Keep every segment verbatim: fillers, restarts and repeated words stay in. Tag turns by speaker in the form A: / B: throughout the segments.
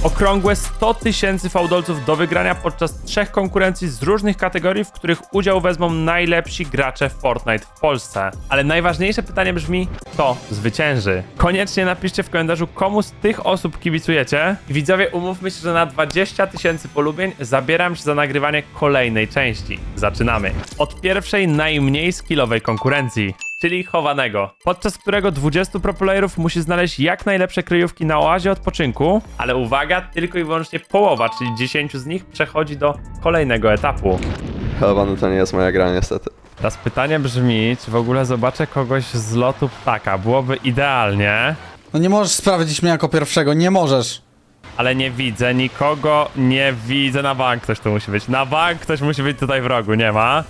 A: Okrągłe sto tysięcy fałdolców do wygrania podczas trzech konkurencji z różnych kategorii, w których udział wezmą najlepsi gracze w Fortnite w Polsce. Ale najważniejsze pytanie brzmi, kto zwycięży? Koniecznie napiszcie w komentarzu, komu z tych osób kibicujecie. I widzowie, umówmy się, że na dwadzieścia tysięcy polubień zabieram się za nagrywanie kolejnej części. Zaczynamy. Od pierwszej, najmniej skillowej konkurencji, czyli chowanego, podczas którego dwudziestu proplayerów musi znaleźć jak najlepsze kryjówki na oazie odpoczynku, ale uwaga, tylko i wyłącznie połowa, czyli dziesięciu z nich przechodzi do kolejnego etapu.
B: Chowany to nie jest moja gra niestety.
A: Teraz pytanie brzmi, czy w ogóle zobaczę kogoś z lotu ptaka, byłoby idealnie,
C: No nie możesz sprawdzić mnie jako pierwszego, nie możesz.
A: ale nie widzę nikogo, nie widzę, na bank ktoś tu musi być, na bank ktoś musi być tutaj w rogu, nie ma?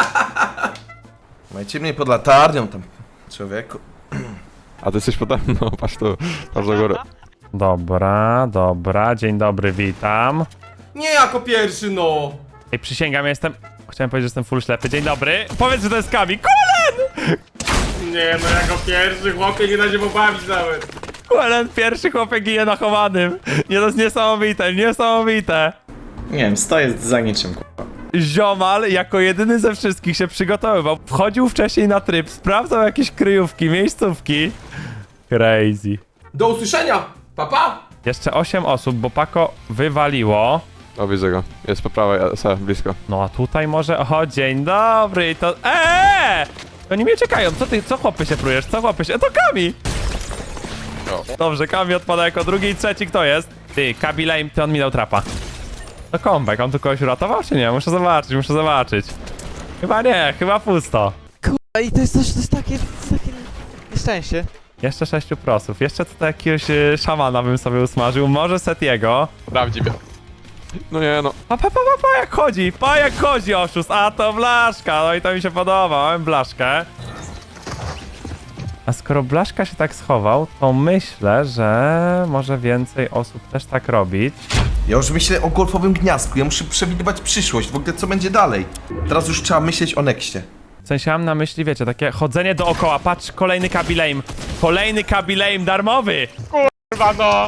D: Majcie mnie pod latarnią tam, człowieku.
B: A ty jesteś pode mną, patrz tu, patrz do góry.
A: Dobra, dobra, dzień dobry, witam.
E: Nie jako pierwszy, no!
A: Ej, przysięgam, jestem... Chciałem powiedzieć, że jestem full ślepy. Dzień dobry. Powiedz, że to jest Kami. Kulen!
E: Nie no, jako pierwszy, chłopie, nie da się pobawić nawet.
A: Kulen, pierwszy chłopiec ginie na chowanym. Nie, to jest niesamowite, niesamowite.
F: Nie wiem, stoję za niczym, k***a.
A: Ziomal jako jedyny ze wszystkich się przygotowywał. Wchodził wcześniej na tryb, sprawdzał jakieś kryjówki, miejscówki. Crazy.
E: Do usłyszenia, papa!
A: Jeszcze osiem osób, bo Pako wywaliło.
B: O, widzę go. Jest po prawej, se, blisko.
A: No a tutaj może... O, dzień dobry, to... Eee! Oni mnie czekają, co ty, co chłopy się prujesz, co chłopy się... To Kami! Dobrze, Kami odpada jako drugi i trzeci, kto jest? Ty, Kabi Lame, ty on mi dał trapa. To comeback, on tu kogoś uratował, czy nie? Muszę zobaczyć, muszę zobaczyć. Chyba nie, chyba pusto.
G: I to jest, to jest takie, to jest takie nieszczęście.
A: Jeszcze sześciu prosów, jeszcze tutaj jakiegoś y, szamana bym sobie usmażył, może Setiego.
B: Prawdziwie. No nie no.
A: Pa, pa, pa, pa, pa, jak chodzi, pa, jak chodzi oszust, a to blaszka, no i to mi się podoba, mamy blaszkę. A skoro blaszka się tak schował, to myślę, że może więcej osób też tak robić.
D: Ja już myślę o golfowym gniazdku, ja muszę przewidywać przyszłość, w ogóle co będzie dalej. Teraz już trzeba myśleć o nexcie.
A: W sensie mam na myśli, wiecie, takie chodzenie dookoła, patrz, kolejny Kabi Lame, kolejny Kabi Lame darmowy. Kurwa no.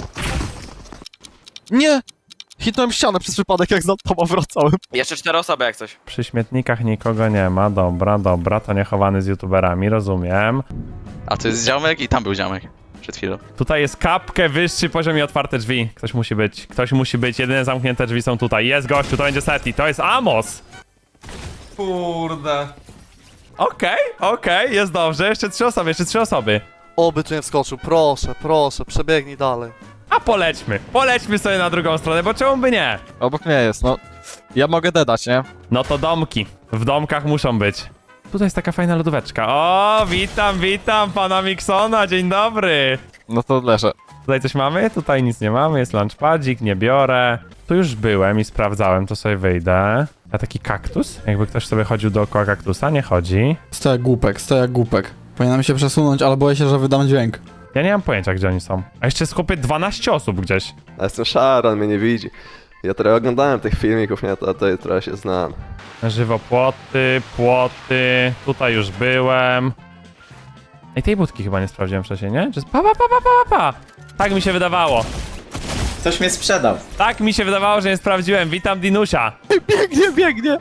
G: Nie! Hitnąłem ścianę przez przypadek, jak za tobą wracałem.
H: Jeszcze cztery osoby jak coś.
A: Przy śmietnikach nikogo nie ma, dobra, dobra, to nie chowany z youtuberami, rozumiem.
H: A to jest ziomek i tam był ziomek. Przed chwilą.
A: Tutaj jest kapkę, wyższy poziom i otwarte drzwi. Ktoś musi być, ktoś musi być, jedyne zamknięte drzwi są tutaj. Jest gościu, to będzie Seti, to jest Amos!
E: Kurde.
A: Okej, okay, okej, okay, jest dobrze, jeszcze trzy osoby, jeszcze trzy osoby.
G: Oby tu nie wskoczył, proszę, proszę, przebiegnij dalej.
A: A polećmy, polećmy sobie na drugą stronę, bo czemu by nie?
G: Obok mnie jest, no. Ja mogę dedać, nie?
A: No to domki, w domkach muszą być. Tutaj jest taka fajna lodóweczka. O, witam, witam pana Miksona, dzień dobry.
G: No to leżę.
A: Tutaj coś mamy? Tutaj nic nie mamy, jest lunchpadzik, nie biorę. Tu już byłem i sprawdzałem, to sobie wyjdę. A taki kaktus? Jakby ktoś sobie chodził dookoła kaktusa, nie chodzi.
C: Stoję jak głupek, stoję jak głupek. Powinienem się przesunąć, ale boję się, że wydam dźwięk.
A: Ja nie mam pojęcia, gdzie oni są. A jeszcze jest chłopie dwanaście osób gdzieś.
B: Ja jestem szary, on mnie nie widzi. Ja trochę oglądałem tych filmików, nie? To, to trochę się znam.
A: Żywo płoty, płoty, tutaj już byłem. Ej, tej budki chyba nie sprawdziłem wcześniej, nie? Czy... Pa, pa, pa, pa, pa, pa. Tak mi się wydawało.
F: Ktoś mnie sprzedał.
A: Tak mi się wydawało, że nie sprawdziłem. Witam Dinusia.
G: Biegnie, biegnie!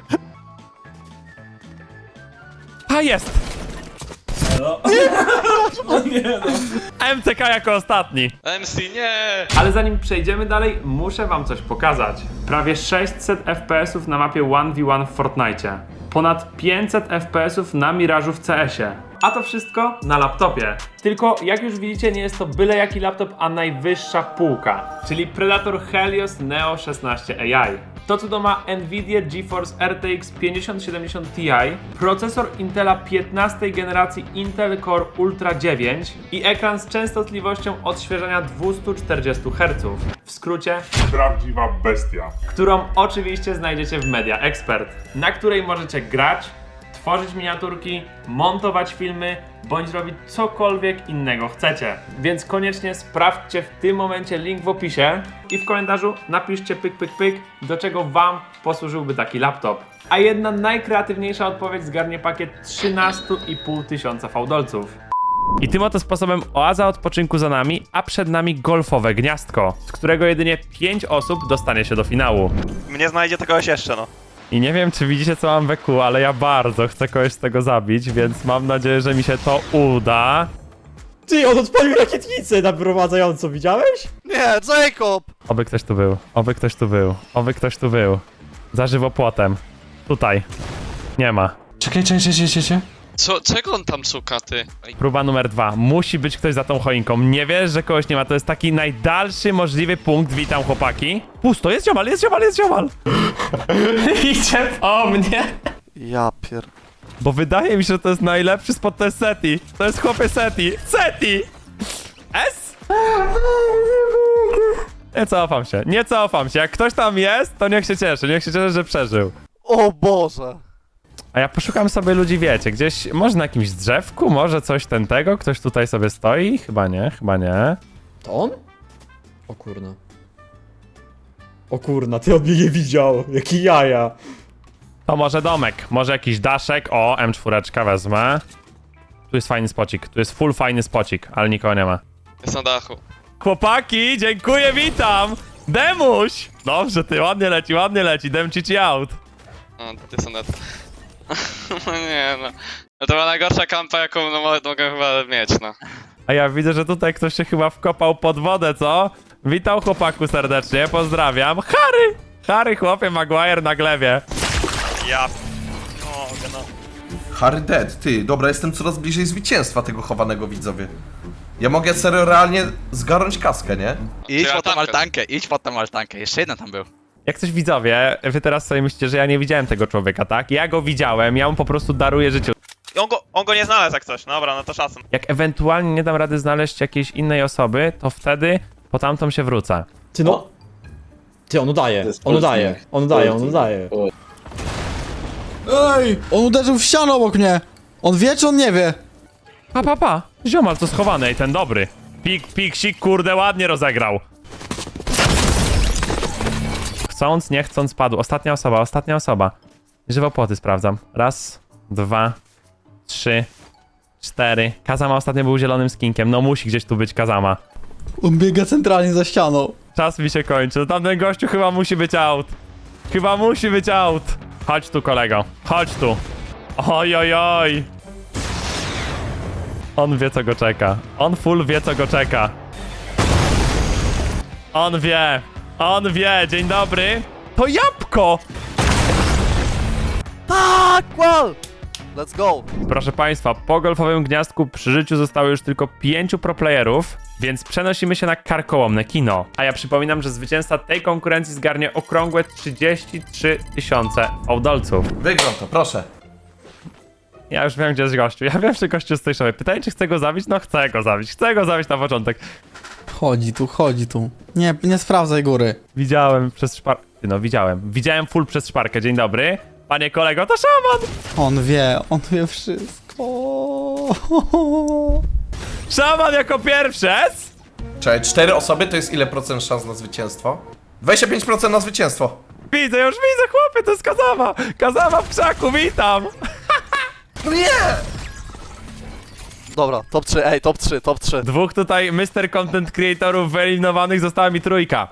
A: A jest! M C K jako ostatni.
H: M C nie!
A: Ale zanim przejdziemy dalej, muszę wam coś pokazać. Prawie sześćset F P S ów na mapie jeden na jeden w Fortnite. Ponad pięćset F P S ów na Mirażu w C S ie. A to wszystko na laptopie. Tylko jak już widzicie, nie jest to byle jaki laptop, a najwyższa półka. Czyli Predator Helios Neo szesnaście A I. To cudo ma Nvidia GeForce R T X pięćdziesiąt siedemdziesiąt Ti, procesor Intela piętnastej generacji Intel Core Ultra dziewięć i ekran z częstotliwością odświeżania dwieście czterdzieści herców. W skrócie
I: prawdziwa bestia,
A: którą oczywiście znajdziecie w Media Expert, na której możecie grać, tworzyć miniaturki, montować filmy, bądź robić cokolwiek innego chcecie. Więc koniecznie sprawdźcie w tym momencie link w opisie i w komentarzu napiszcie pyk pyk pyk, do czego wam posłużyłby taki laptop. A jedna najkreatywniejsza odpowiedź zgarnie pakiet trzynaście i pół tysiąca fałdolców. I tym oto sposobem oaza odpoczynku za nami, a przed nami golfowe gniazdko, z którego jedynie pięć osób dostanie się do finału.
H: Mnie znajdzie to kogoś jeszcze, no.
A: I nie wiem, czy widzicie, co mam we kół, ale ja bardzo chcę kogoś z tego zabić, więc mam nadzieję, że mi się to uda.
J: Ty, on odpalił rakietnicę naprowadzającą, widziałeś?
G: Nie, Jacob!
A: Oby ktoś tu był, oby ktoś tu był, oby ktoś tu był. Za żywopłotem. Tutaj. Nie ma.
C: Czekaj, czekaj, czekaj, czekaj.
H: Co, czego on tam szuka, ty?
A: Próba numer dwa. Musi być ktoś za tą choinką. Nie wiesz, że kogoś nie ma. To jest taki najdalszy możliwy punkt. Witam, chłopaki. Pusto, jest ziomal, jest ziomal, jest ziomal. Idzie po mnie.
G: Ja pier...
A: Bo wydaje mi się, że to jest najlepszy spot, to jest Seti. To jest chłopie Seti. Seti! S? Nie cofam się, nie cofam się. Jak ktoś tam jest, to niech się cieszy. Niech się cieszy, że przeżył.
G: O Boże!
A: A ja poszukam sobie ludzi, wiecie, gdzieś, może na jakimś drzewku, może coś ten tego, ktoś tutaj sobie stoi? Chyba nie, chyba nie.
J: To on? O kurna. O kurna, ty on mnie nie widział. Jaki jaja.
A: To może domek, może jakiś daszek, o, M cztery wezmę. Tu jest fajny spocik, tu jest full fajny spocik, ale nikogo nie ma.
H: Jest na dachu.
A: Chłopaki, dziękuję, witam! Demuś! Dobrze, ty, ładnie leci, ładnie leci, dem ci out.
H: No, ty są net. No nie, no. No to była najgorsza kampa, jaką no, mo- mogę chyba mieć, no.
A: A ja widzę, że tutaj ktoś się chyba wkopał pod wodę, co? Witam chłopaku serdecznie, pozdrawiam. Harry! Harry, chłopie, Maguire na glewie.
H: Ja... O, no.
D: Harry dead, ty, dobra, jestem coraz bliżej zwycięstwa tego chowanego, widzowie. Ja mogę serio realnie zgarnąć kaskę, nie?
H: Idź po tą altankę, idź po tą altankę. Jeszcze jeden tam był.
A: Jak coś widzowie, wy teraz sobie myślicie, że ja nie widziałem tego człowieka, tak? Ja go widziałem, ja mu po prostu daruję życie.
H: On go, on go nie znalazł jak coś, dobra, no to szacun.
A: Jak ewentualnie nie dam rady znaleźć jakiejś innej osoby, to wtedy po tamtą się wrócę.
J: Ty no. Ty, on udaje, on udaje, on udaje, on udaje.
C: Ej, on uderzył w ścianę obok mnie. On wie, czy on nie wie?
A: Pa, pa, pa. Ziomal to schowany, ej, ten dobry. Pik, pik, sik, kurde, ładnie rozegrał. Chcąc, nie chcąc padł. Ostatnia osoba, ostatnia osoba. Żywopłoty sprawdzam. Raz, dwa, trzy, cztery. Kazama ostatnio był zielonym skinkiem. No musi gdzieś tu być Kazama.
C: On biega centralnie za ścianą.
A: Czas mi się kończy. No tamten gościu chyba musi być out. Chyba musi być out. Chodź tu, kolego. Chodź tu. Oj, oj, oj. On wie, co go czeka. On full wie, co go czeka. On wie. On wie. Dzień dobry. To jabłko!
G: Tak, well! Let's go!
A: Proszę Państwa, po golfowym gniazdku przy życiu zostało już tylko pięciu proplayerów, więc przenosimy się na karkołomne kino. A ja przypominam, że zwycięzca tej konkurencji zgarnie okrągłe trzydzieści trzy tysiące fałdolców.
D: Wygram to, proszę.
A: Ja już wiem, gdzie jest gościu. Ja wiem, że gościu jest z tej szopy. Pytanie, czy chcę go zabić? No chcę go zabić. Chcę go zabić na początek.
C: Chodzi tu, chodzi tu. Nie, nie sprawdzaj góry.
A: Widziałem przez szparkę. No, widziałem. Widziałem full przez szparkę. Dzień dobry. Panie kolego, to szaman!
C: On wie, on wie wszystko.
A: Szaman jako pierwszy!
D: Czekaj, cztery osoby to jest ile procent szans na zwycięstwo? dwadzieścia pięć procent na zwycięstwo.
A: Widzę, już widzę, chłopie, to jest Kazama! Kazama w krzaku, witam!
D: No nie!
G: Dobra, top trzy, ej, top trzy, top trzy.
A: Dwóch tutaj mister Content Creatorów wyeliminowanych, została mi trójka.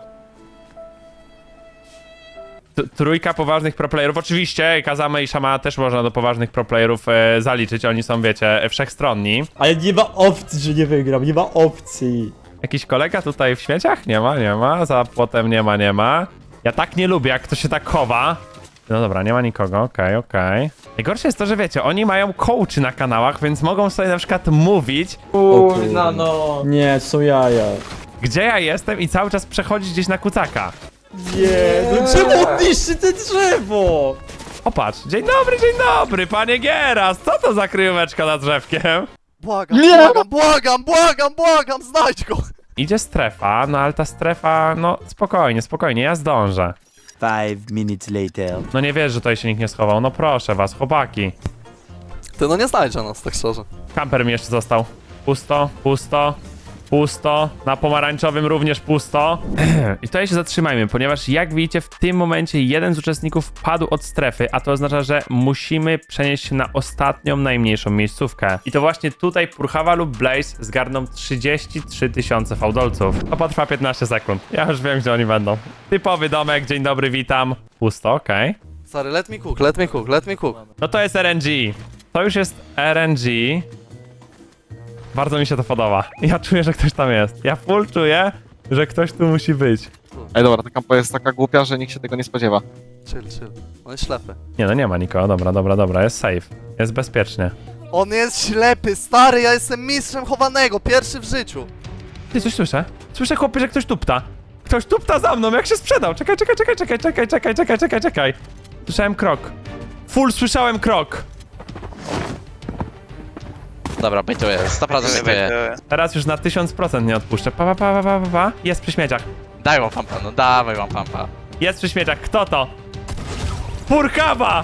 A: T trójka poważnych proplayerów, oczywiście Kazama i Szama też można do poważnych proplayerów e, zaliczyć, oni są, wiecie, wszechstronni.
J: Ale nie ma opcji, że nie wygram, nie ma opcji.
A: Jakiś kolega tutaj w śmieciach? Nie ma, nie ma, za płotem nie ma, nie ma. Ja tak nie lubię, jak to się tak chowa. No dobra, nie ma nikogo, okej, okay, okej. Okay. Najgorsze jest to, że wiecie, oni mają coachy na kanałach, więc mogą sobie na przykład mówić,
J: Kurna no. Nie, to są jaja.
A: gdzie ja jestem i cały czas przechodzić gdzieś na kucaka.
J: Nie, no czemu on niszczy te drzewo?
A: O patrz, dzień dobry, dzień dobry, panie Gieras, co to za kryjóweczka nad drzewkiem?
G: Błagam, błagam, błagam, błagam, błagam, znajdź go!
A: Idzie strefa, no ale ta strefa, no spokojnie, spokojnie, ja zdążę.
K: Five minutes later.
A: No nie wiesz, że tutaj się nikt nie schował, no proszę was, chłopaki.
G: Ty no nie znajdzie nas, tak szczerze.
A: Kamper mi jeszcze został. Pusto, pusto. Pusto. Na pomarańczowym również pusto. I tutaj się zatrzymajmy, ponieważ jak widzicie, w tym momencie jeden z uczestników padł od strefy, a to oznacza, że musimy przenieść się na ostatnią, najmniejszą miejscówkę. I to właśnie tutaj Purchawa lub Blaze zgarną trzydzieści trzy tysiące fałdolców. To potrwa piętnaście sekund. Ja już wiem, gdzie oni będą. Typowy domek, dzień dobry, witam. Pusto, okej. Okay.
G: Sorry, let me cook, let me cook, let me cook.
A: No to jest R N G. To już jest R N G. Bardzo mi się to podoba. Ja czuję, że ktoś tam jest. Ja full czuję, że ktoś tu musi być.
L: Ej dobra, ta kampa jest taka głupia, że nikt się tego nie spodziewa.
G: Chill, chill. On jest ślepy.
A: Nie no, nie ma nikogo. Dobra, dobra, dobra. Jest safe. Jest bezpiecznie.
G: On jest ślepy, stary, ja jestem mistrzem chowanego, pierwszy w życiu.
A: Ty, coś słyszę? Słyszę, chłopie, że ktoś tupta. Ktoś tupta za mną, jak się sprzedał. Czekaj, czekaj, czekaj, czekaj, czekaj, czekaj, czekaj, czekaj, czekaj. Słyszałem krok. Full słyszałem krok.
E: Dobra, bytuję, sto procent bytuję.
A: Teraz już na tysiąc procent nie odpuszczę. Pa, pa, pa, pa, pa, pa. Jest przy śmieciach.
E: Daj wam pampa, no dawaj wam pampa.
A: Jest przy śmieciach. Kto to? Purchawa!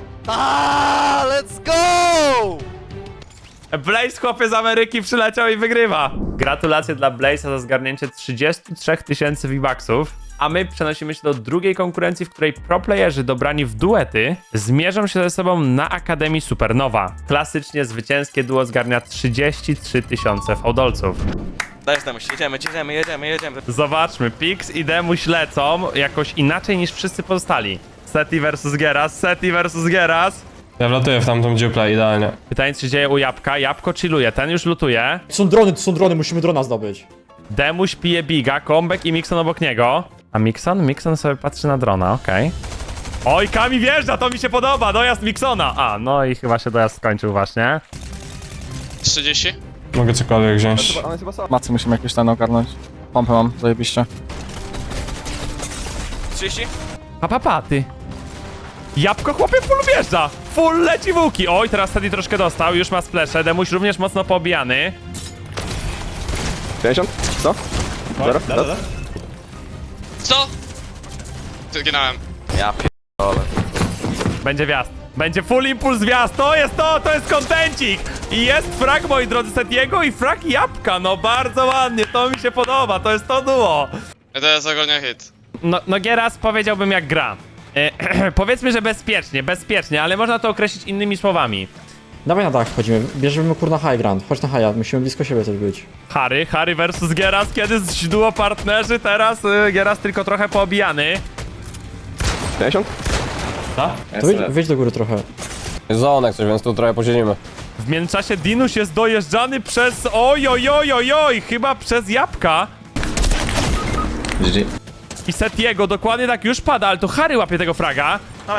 G: Aaaa, let's go!
A: Blaze, chłopie z Ameryki, przyleciał i wygrywa. Gratulacje dla Blaze'a za zgarnięcie trzydzieści trzy tysięcy V-Bucksów. A my przenosimy się do drugiej konkurencji, w której proplayerzy dobrani w duety zmierzą się ze sobą na Akademii Supernowa. Klasycznie zwycięskie duo zgarnia trzydzieści trzy tysiące fałdolców.
E: Dajesz Demuś, jedziemy, jedziemy, jedziemy, jedziemy.
A: Zobaczmy, Pix i Demuś lecą jakoś inaczej niż wszyscy pozostali. Seti versus Geras, Seti versus Geras.
J: Ja wlatuję w tamtą dziuplę, idealnie.
A: Pytanie, co się dzieje u Jabłka. Jabłko chilluje, ten już lutuje.
J: To są drony, to są drony, musimy drona zdobyć.
A: Demuś pije biga, Kombek i Mixon obok niego. A Mixon? Mixon sobie patrzy na drona, okej. Okay. Oj, Kami wjeżdża, to mi się podoba, dojazd Mixona. A, no i chyba się dojazd skończył właśnie.
H: trzydzieści?
J: Mogę cokolwiek wziąć.
B: On jest chyba sam.
L: Macy musimy jakieś ten ogarnąć. Pompę mam, zajebiście.
E: trzydzieści?
A: Pa, pa, pa, ty. Jabłko, chłopie, full wjeżdża. Full leci w łuki. Oj, teraz Teddy troszkę dostał, już ma splesze. Demuś również mocno poobijany.
B: pięćdziesiąt? sto? Zero? Raz?
H: Co? Zginąłem.
E: Ja
A: Będzie wjazd. Będzie full impuls wjazd. To jest to, to jest kontencik. I jest frag, moi drodzy, Setiego i frag Jabłka. No bardzo ładnie, to mi się podoba. To jest to duo.
H: To jest ogólnie hit.
A: No, no Geras powiedziałbym jak gra. E, powiedzmy, że bezpiecznie, bezpiecznie, ale można to określić innymi słowami.
J: Dawaj na dach wchodzimy, bierzemy kurna high ground. Chodź na high, musimy blisko siebie też być.
A: Harry, Harry versus Geras, kiedy z duo partnerzy, teraz y, Geras tylko trochę poobijany.
B: pięćdziesiąt?
A: Co?
J: To wyjdź, wyjdź do góry trochę.
L: Jest zonek coś, więc tu trochę posiedzimy.
A: W międzyczasie Dinuś jest dojeżdżany przez... Oj, oj, oj, oj, oj, chyba przez Jabłka.
F: G G.
A: I Setiego, dokładnie tak już pada, ale to Harry łapie tego fraga.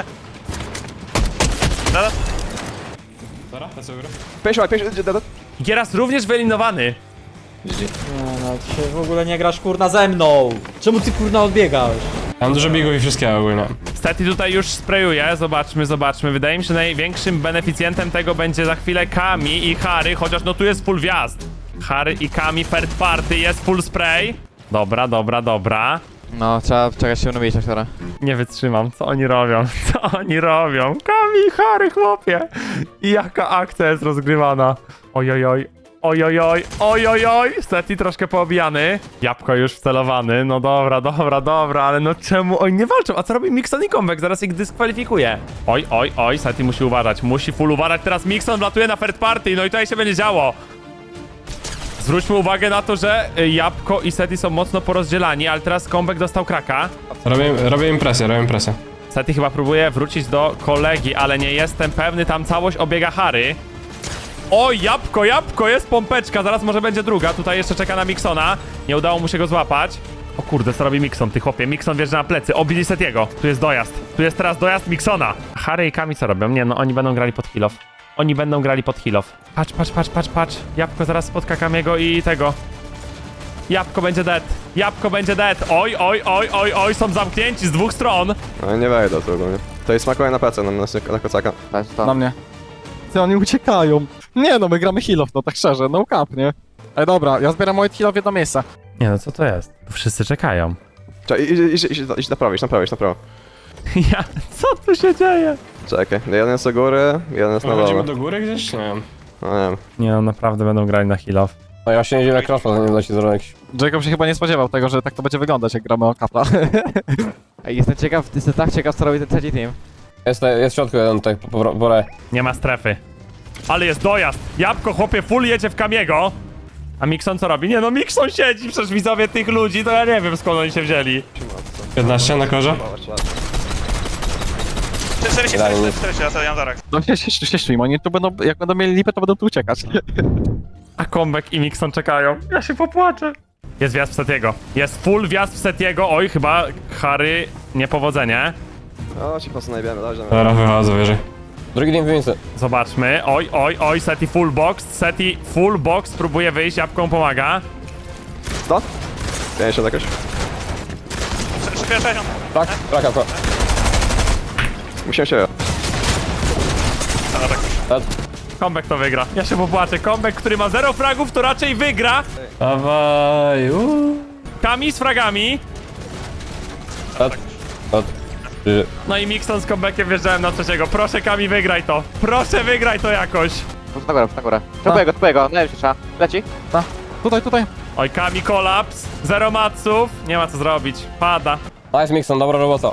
B: pięćdziesiąt, pięćdziesiąt,
A: Geras również wyeliminowany.
F: G G.
J: Nie no, ty się w ogóle nie grasz kurna ze mną. Czemu ty kurna odbiegasz?
L: Mam dużo bigów i wszystkiego ogólnie.
A: Seti tutaj już sprayuje, zobaczmy, zobaczmy. Wydaje mi się, że największym beneficjentem tego będzie za chwilę Kami i Harry, chociaż no tu jest full wjazd. Harry i Kami, third party, jest full spray. Dobra, dobra, dobra.
G: No, trzeba czekać się unowić aktora.
A: Nie wytrzymam, co oni robią, co oni robią. Kami i Harry, chłopie. I jaka akcja jest rozgrywana. Ojojoj, ojojoj, ojojoj. Seti troszkę poobijany. Jabłko już wcelowany, no dobra, dobra, dobra, ale no czemu oni nie walczą? A co robi Mixon i Kombek? Zaraz ich dyskwalifikuje. Oj, oj, oj, Seti musi uważać, musi full uważać. Teraz Mixon wlatuje na third party, no i tutaj się będzie działo. Zwróćmy uwagę na to, że Jabłko i Seti są mocno porozdzielani, ale teraz Kombek dostał kraka.
L: Robię, robię impresję, robię impresję.
A: Seti chyba próbuje wrócić do kolegi, ale nie jestem pewny, tam całość obiega Harry. O, Jabłko, Jabłko, jest pompeczka, zaraz może będzie druga, tutaj jeszcze czeka na Mixona. Nie udało mu się go złapać. O kurde, co robi Mixon, ty chłopie, Mixon wjeżdża na plecy, obili Setiego. Tu jest dojazd, tu jest teraz dojazd Mixona. Harry i Kami co robią? Nie, no oni będą grali pod heal off. Oni będą grali pod heal off. Patrz, patrz, patrz, patrz, patrz. Jabłko zaraz spotka Kamiego i tego. Jabłko będzie dead. Jabłko będzie dead. Oj, oj, oj, oj, oj, są zamknięci z dwóch stron.
B: No nie wejdę tu ogólnie. To jest smakuje na plecę, na, na, na kocaka.
L: Na mnie. Ty, oni uciekają. Nie no, my gramy heal-off, no tak szczerze, no cap, nie? Ej dobra, ja zbieram moje heal-off w jedno miejsce.
A: Nie no, co to jest? Tu wszyscy czekają.
B: Czekaj, idź, idź, idź, idź na prawo, idź na prawo, idź na prawo.
A: Ja, co tu się dzieje?
B: Czekaj, jeden jest do góry, jeden jest na dole.
L: do góry gdzieś? Nie wiem.
B: No nie wiem.
A: Nie no, naprawdę będą grali na heal off.
F: No ja się nie dziwię, jak crosspa nie da ci zrobić.
L: Jacob się chyba nie spodziewał tego, że tak to będzie wyglądać, jak gramy o kapla.
M: Jestem ciekaw, jestem tak ciekaw, co robi ten trzeci team.
F: Jest, jest w środku jeden tutaj, po, po, po
A: Nie ma strefy. Ale jest dojazd. Jabłko, chłopie, full jedzie w Kamiego. A Mixon co robi? Nie no, Mixon siedzi, przecież widzowie tych ludzi, to ja nie wiem skąd oni się wzięli.
E: piętnaście na korze?
F: czterdzieści,
H: czterdzieści, ja sobie Jarek.
L: No się, się, się, się, oni tu będą, jak będą mieli lipę, to będą tu uciekać.
A: A Kombek i Mixon czekają. Ja się popłaczę. Jest wjazd w Setiego. Jest full wjazd w Setiego. Oj, chyba Harry niepowodzenie.
B: O, ci po prostu najbiemy, dobrze.
E: Dobra, wychodzę wyżej.
F: Drugi team wymienicy.
A: Zobaczmy. Oj, oj, oj, Seti full box. Seti full box. Próbuje wyjść, jabłką pomaga.
B: sto? pięćdziesiąt jakoś?
F: Tak, traka, traka.
B: Musimy się...
A: Kombek to wygra. Ja się popłaczę. Kombek, który ma zero fragów, to raczej wygra.
E: Dawaj, uuu.
A: Kami z fragami.
F: Tak. Tak.
A: No i Mixon z Kombekiem wjeżdżałem na trzeciego. Proszę Kami, wygraj to. Proszę, wygraj to jakoś.
M: Na górę, na górę. Czopuję go, czopuję go, najlepszy trzeba. Leci.
L: Tutaj, tutaj.
A: Oj, Kami kolaps. Zero matsów. Nie ma co zrobić. Pada.
F: Nice Mixon, dobra robota.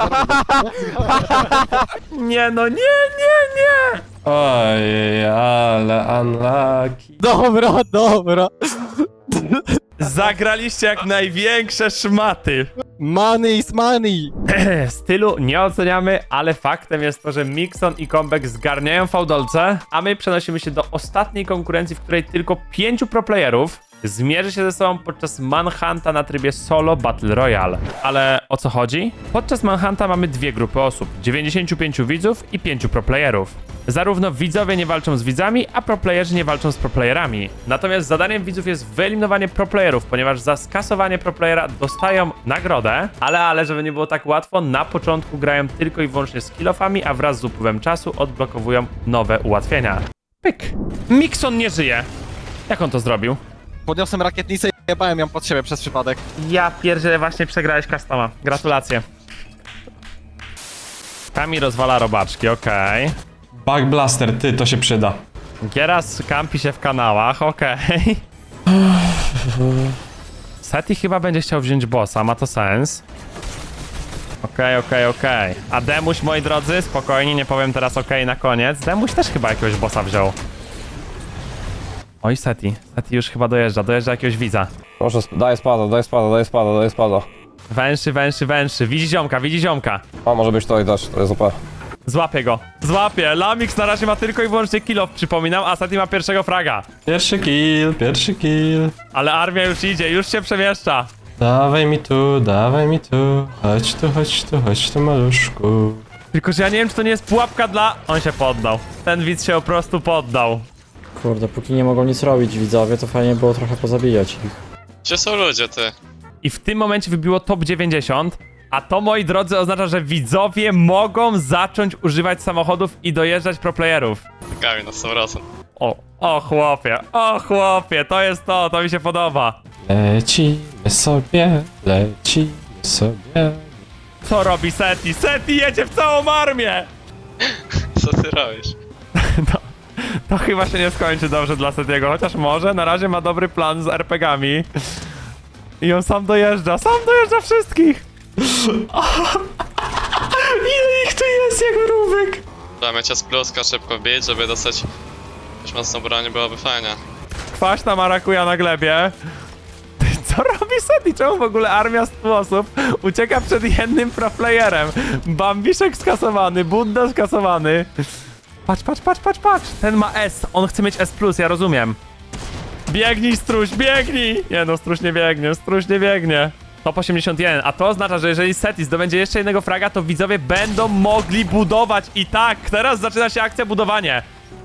A: Nie no, nie, nie, nie.
E: Ojej, ale unlucky.
L: Dobra, dobra.
A: Zagraliście jak największe szmaty.
L: Money is money.
A: Stylu nie oceniamy, ale faktem jest to, że Mixon i Kombek zgarniają fałdolce, a my przenosimy się do ostatniej konkurencji, w której tylko pięciu proplayerów zmierzy się ze sobą podczas Manhunta na trybie Solo Battle Royale. Ale o co chodzi? Podczas Manhunta mamy dwie grupy osób, dziewięćdziesięciu pięciu widzów i pięciu proplayerów. Zarówno widzowie nie walczą z widzami, a proplayerzy nie walczą z proplayerami. Natomiast zadaniem widzów jest wyeliminowanie proplayerów, ponieważ za skasowanie proplayera dostają nagrodę, ale ale żeby nie było tak łatwo, na początku grają tylko i wyłącznie z kill-offami, a wraz z upływem czasu odblokowują nowe ułatwienia. Pyk. Mixon nie żyje. Jak on to zrobił?
L: Podniosłem rakietnicę i jebałem ją pod siebie przez przypadek.
A: Ja pierdzielę, właśnie przegrałeś customa. Gratulacje. Kami rozwala robaczki, okej.
E: Bug Blaster, ty, to się przyda.
A: Gieras kampi się w kanałach, okej. Seti chyba będzie chciał wziąć bossa, ma to sens. Okej, okej, okej. A Demuś, moi drodzy, spokojnie, nie powiem teraz okej na koniec. Demuś też chyba jakiegoś bossa wziął. Oj, Seti. Seti już chyba dojeżdża, dojeżdża jakiegoś widza.
F: Proszę, daj spada, daj spada, daj spada, daj spada.
A: Węszy, węszy, węszy. Widzi ziomka, widzi ziomka.
F: A może być to i też, to jest super.
A: Złapię go. Złapię. Lamix na razie ma tylko i wyłącznie kill off, przypominam, a Seti ma pierwszego fraga.
E: Pierwszy kill, pierwszy kill.
A: Ale armia już idzie, już się przemieszcza.
E: Dawaj mi tu, dawaj mi tu. Chodź tu, chodź tu, chodź tu, maluszku.
A: Tylko, że ja nie wiem, czy to nie jest pułapka dla... On się poddał. Ten widz się po prostu poddał.
J: Kurde, póki nie mogą nic robić widzowie, to fajnie było trochę pozabijać ich.
H: Gdzie są ludzie, ty?
A: I w tym momencie wybiło top dziewięćdziesiąt, a to, moi drodzy, oznacza, że widzowie mogą zacząć używać samochodów i dojeżdżać proplayerów.
H: Kami na sto procent.
A: O, o chłopie, o chłopie, to jest to, to mi się podoba.
E: Lecimy sobie, lecimy sobie.
A: Co robi Seti? Seti jedzie w całą armię!
H: Co ty robisz?
A: To, to chyba się nie skończy dobrze dla Setiego, chociaż może, na razie ma dobry plan z er pe gami. I on sam dojeżdża, sam dojeżdża wszystkich! Ile ich tu jest jak mrówek?
H: Trzeba mieć pluska szybko wbić, żeby dostać już mocną broń, byłoby fajnie.
A: Kwaśna marakuja na glebie. Co robi Seti? Czemu w ogóle armia stu osób ucieka przed jednym proflayerem? Bambiszek skasowany, Budda skasowany. Patrz, patrz, patrz, patrz, patrz. Ten ma S, on chce mieć S plus, ja rozumiem. Biegnij, struś, biegnij! Nie no, struś nie biegnie, struś nie biegnie. Top osiemdziesiąt jeden, a to oznacza, że jeżeli Seti zdobędzie jeszcze jednego fraga, to widzowie będą mogli budować. I tak, teraz zaczyna się akcja budowanie.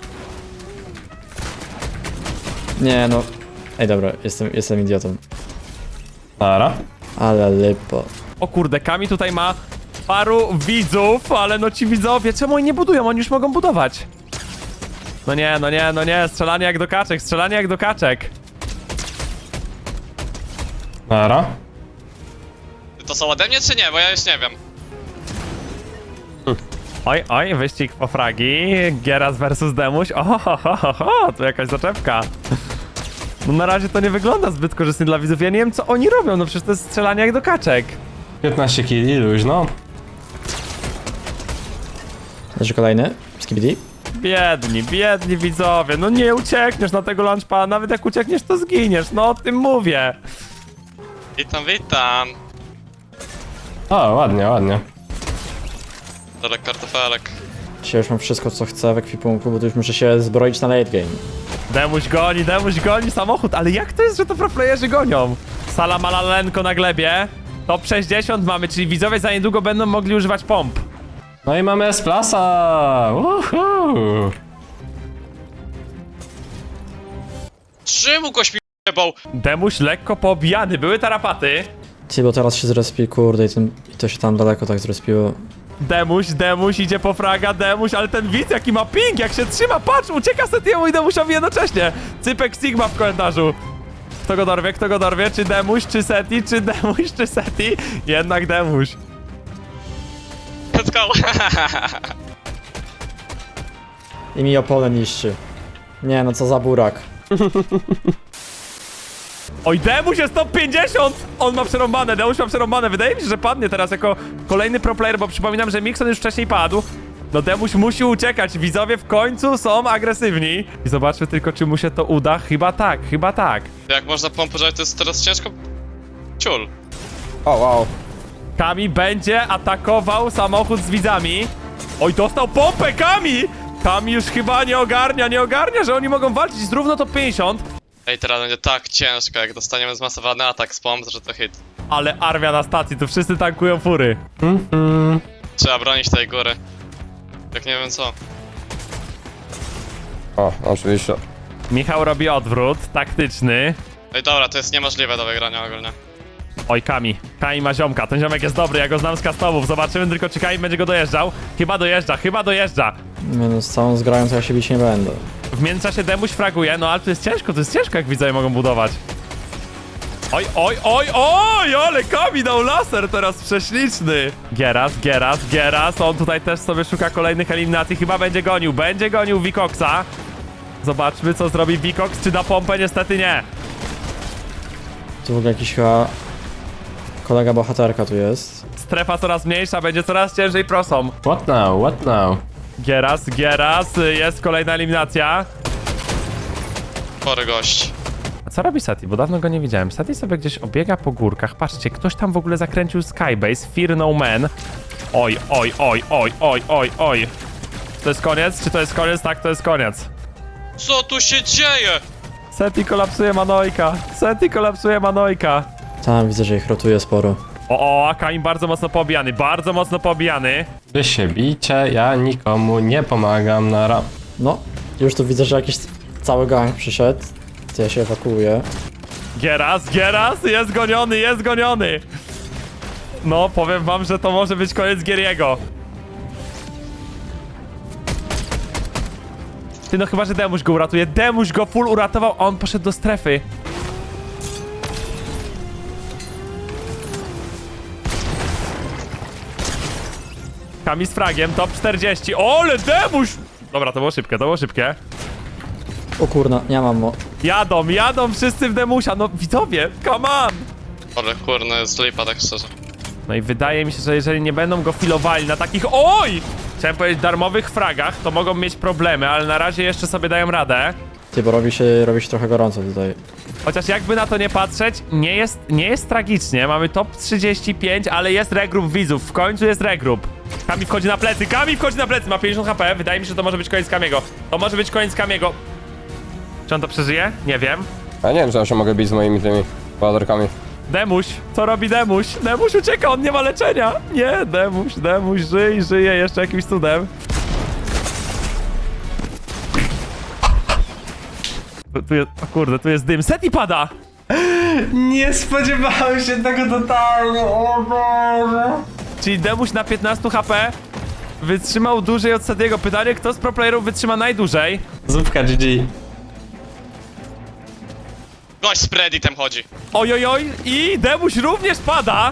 J: Nie no. Ej dobra, jestem, jestem idiotą.
E: Nara.
J: Ale lipo.
A: O kurde, Kami tutaj ma paru widzów, ale no ci widzowie, czemu oni nie budują? Oni już mogą budować. No nie, no nie, no nie, strzelanie jak do kaczek, strzelanie jak do kaczek.
E: Nara.
H: To są ode mnie czy nie? Bo ja już nie wiem.
A: Oj, oj, wyścig po fragi, Gieras versus Demuś, o, ho, ho, ho, ho, tu jakaś zaczepka. No na razie to nie wygląda zbyt korzystnie dla widzów. Ja nie wiem, co oni robią, no przecież to jest strzelanie jak do kaczek.
E: piętnaście killi, luźno.
J: Leży kolejny. Skibidi.
A: Biedni, biedni widzowie, no nie uciekniesz na tego launchpada, nawet jak uciekniesz, to zginiesz, no o tym mówię.
H: Witam, witam.
E: O, ładnie, ładnie.
H: Dorek kartofelek.
J: Dzisiaj już mam wszystko, co chcę w ekwipunku, bo tu już muszę się zbroić na late game.
A: Demuś goni, Demuś goni samochód, ale jak to jest, że to proplayerzy gonią? Salamalalenko na glebie, top sześćdziesiąt mamy, czyli widzowie za niedługo będą mogli używać pomp.
E: No i mamy S-Plasa! Uhu!
H: Czemu goś mi jebał?
A: Demuś lekko poobijany, były tarapaty.
J: Ty, bo teraz się zrespi, kurde, i, ten, i to się tam daleko tak zrespiło.
A: Demuś, Demuś idzie po fraga, Demuś, ale ten widz jaki ma ping, jak się trzyma, patrz, ucieka Setiemu i Demusiowi jednocześnie. Cypek Sigma w komentarzu. Kto go dorwie, kto go dorwie, czy Demuś, czy Seti, czy Demuś, czy Seti? Jednak Demuś.
H: Let's go.
J: I mi opole niszczy. Nie no, co za burak.
A: Oj, Demuś jest top pięćdziesiąt! On ma przerąbane, Demuś ma przerąbane. Wydaje mi się, że padnie teraz jako kolejny pro player, bo przypominam, że Mixon już wcześniej padł. No Demuś musi uciekać, widzowie w końcu są agresywni. I zobaczmy tylko, czy mu się to uda. Chyba tak, chyba tak.
H: Jak można pompować, to jest teraz ciężko. Ciul.
F: O, wow.
A: Kami będzie atakował samochód z widzami. Oj, dostał pompę, Kami! Kami już chyba nie ogarnia, nie ogarnia, że oni mogą walczyć z równo top pięćdziesiąt.
H: Ej, teraz będzie tak ciężko, jak dostaniemy zmasowany atak z pomp, że to hit.
A: Ale armia na stacji, tu wszyscy tankują fury.
E: Mhm.
H: Trzeba bronić tej góry. Jak nie wiem co.
F: O, oczywiście.
A: Michał robi odwrót, taktyczny.
H: Ej, dobra, to jest niemożliwe do wygrania ogólnie.
A: Oj, Kami. Kami ma ziomka. Ten ziomek jest dobry, ja go znam z customów. Zobaczymy tylko, czy Kami będzie go dojeżdżał. Chyba dojeżdża, chyba dojeżdża.
J: Nie no, z całą zgrają to ja się bić nie będę.
A: W międzyczasie Demuś fraguje, no ale to jest ciężko, to jest ciężko, jak widzowie mogą budować. Oj, oj, oj, oj, ale Kami dał laser teraz prześliczny. Geras, Geras, Geras. On tutaj też sobie szuka kolejnych eliminacji. Chyba będzie gonił, będzie gonił Wikoxa. Zobaczmy, co zrobi Wikox. Czy da pompę? Niestety nie.
J: Tu w ogóle jakiś chyba... kolega bohaterka tu jest.
A: Strefa coraz mniejsza, będzie coraz ciężej prosom.
E: What now, what now?
A: Geras, Geras, jest kolejna eliminacja.
H: Chory gość.
A: A co robi Seti? Bo dawno go nie widziałem. Seti sobie gdzieś obiega po górkach. Patrzcie, ktoś tam w ogóle zakręcił Skybase. Fear no man. Oj, oj, oj, oj, oj, oj, oj. Czy to jest koniec? Czy to jest koniec? Tak, to jest koniec.
H: Co tu się dzieje?
A: Seti kolapsuje Manojka. Seti kolapsuje Manojka.
J: Tam widzę, że ich rotuje sporo.
A: O, o, Akaim bardzo mocno pobijany. Bardzo mocno pobijany.
E: Wy się bijcie, ja nikomu nie pomagam na rap.
J: No, już tu widzę, że jakiś cały gang przyszedł. To ja się ewakuuję.
A: Geras, Geras, jest goniony, jest goniony. No, powiem wam, że to może być koniec Gieriego. Ty, no chyba, że Demuś go uratuje. Demuś go full uratował, a on poszedł do strefy. Kami z fragiem, top czterdzieści. Ole, Demuś! Dobra, to było szybkie, to było szybkie.
J: O kurna, nie mam mo.
A: Jadą, jadą wszyscy w Demusia, no widzowie, come on!
H: Ale kurna, jest lipa, tak szczerze.
A: No i wydaje mi się, że jeżeli nie będą go filowali na takich, oj! Chciałem powiedzieć darmowych fragach, to mogą mieć problemy, ale na razie jeszcze sobie dają radę.
J: Ty, bo robi się, robi się trochę gorąco tutaj.
A: Chociaż jakby na to nie patrzeć, nie jest, nie jest tragicznie. Mamy top trzydzieści pięć, ale jest regroup widzów. W końcu jest regroup. Kami wchodzi na plecy, Kami wchodzi na plecy, ma pięćdziesiąt H P. Wydaje mi się, że to może być koniec Kamiego. To może być koniec Kamiego. Czy on to przeżyje? Nie wiem.
F: Ja nie wiem, czy ja się mogę bić z moimi tymi bohaterkami.
A: Demuś, co robi Demuś? Demuś ucieka, on nie ma leczenia. Nie, Demuś, Demuś, żyj, żyje jeszcze jakimś cudem. Tu, tu jest, o kurde, tu jest dym. Seti pada!
E: Nie spodziewałem się tego totalnie, o Boże.
A: Czyli Demuś na piętnaście H P wytrzymał dłużej od Setiego. Pytanie, kto z pro playerów wytrzyma najdłużej?
E: Zupka G G.
H: Gość z Preditem chodzi.
A: Oj, oj, oj, i Demuś również pada!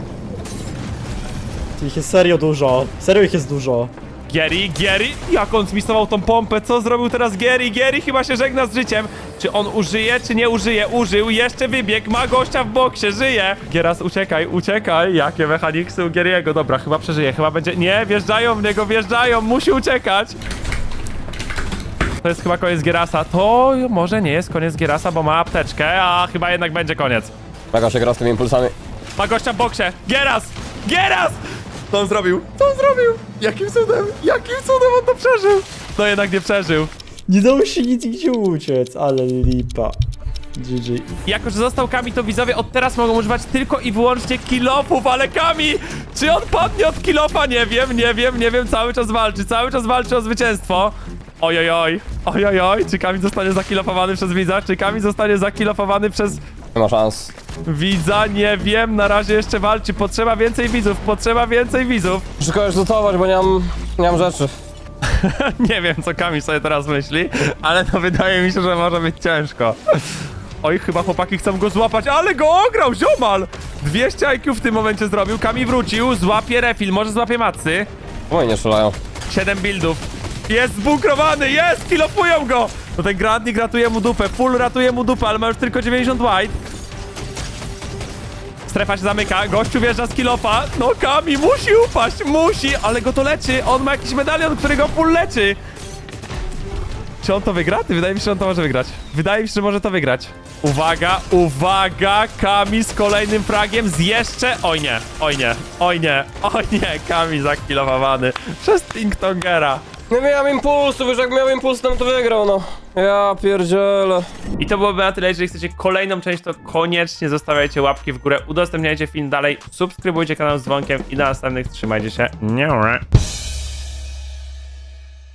J: Ty, ich jest serio dużo. Serio ich jest dużo.
A: Gieri, Gieri, jak on zmisował tą pompę, co zrobił teraz Gieri? Gieri chyba się żegna z życiem. Czy on użyje, czy nie użyje? Użył, jeszcze wybieg, ma gościa w boksie, żyje. Gieras, uciekaj, uciekaj. Jakie mechaniksy u Gieriego. Dobra, chyba przeżyje, chyba będzie... Nie, wjeżdżają w niego, wjeżdżają, musi uciekać. To jest chyba koniec Gierasa. To może nie jest koniec Gierasa, bo ma apteczkę, a chyba jednak będzie koniec.
F: Mega się gra z tymi impulsami.
A: Ma gościa w boksie. Gieras! Gieras! Co on zrobił? Co on zrobił? Jakim cudem? Jakim cudem on to przeżył? No jednak nie przeżył.
J: Nie dało się nic gdzie uciec, ale lipa. G G.
A: Jako, że został Kami, to widzowie od teraz mogą używać tylko i wyłącznie kilofów, ale Kami! Czy on padnie od kilofa? Nie wiem, nie wiem, nie wiem, cały czas walczy, cały czas walczy o zwycięstwo. Ojojoj, ojojoj, czy Kami zostanie zakilofowany przez widza? Czy Kami zostanie zakilofowany przez
F: Nie ma szans.
A: widza? Nie wiem, na razie jeszcze walczy, potrzeba więcej widzów, potrzeba więcej widzów.
F: Muszę kogoś lutować, bo nie mam, nie mam rzeczy.
A: Nie wiem, co Kami sobie teraz myśli, ale no wydaje mi się, że może być ciężko. Oj, chyba chłopaki chcą go złapać, ale go ograł, ziomal! dwieście I Q w tym momencie zrobił, Kami wrócił, złapie refil, może złapie macy.
F: Moje nie strzelają.
A: siedem buildów. Jest zbunkrowany, jest! Kilofują go! No ten Grandnik ratuje mu dupę, full ratuje mu dupę, ale ma już tylko dziewięćdziesiąt white. Strefa się zamyka, gościu wjeżdża z kilofa. No Kami musi upaść, musi, ale go to leczy. On ma jakiś medalion, który go full leczy. Czy on to wygra? Ty, wydaje mi się, że on to może wygrać. Wydaje mi się, że może to wygrać. Uwaga, uwaga, Kami z kolejnym fragiem z jeszcze... Oj nie, oj nie, oj nie, oj nie, Kami zakilowany przez Tinktongera.
F: Nie miałem impulsu, wiesz, jak miałem impuls, to bym to wygrał, no. Ja pierdzielę.
A: I to byłoby na tyle. Jeżeli chcecie kolejną część, to koniecznie zostawiajcie łapki w górę, udostępniajcie film dalej, subskrybujcie kanał z dzwonkiem i do następnych. Trzymajcie się. Nie.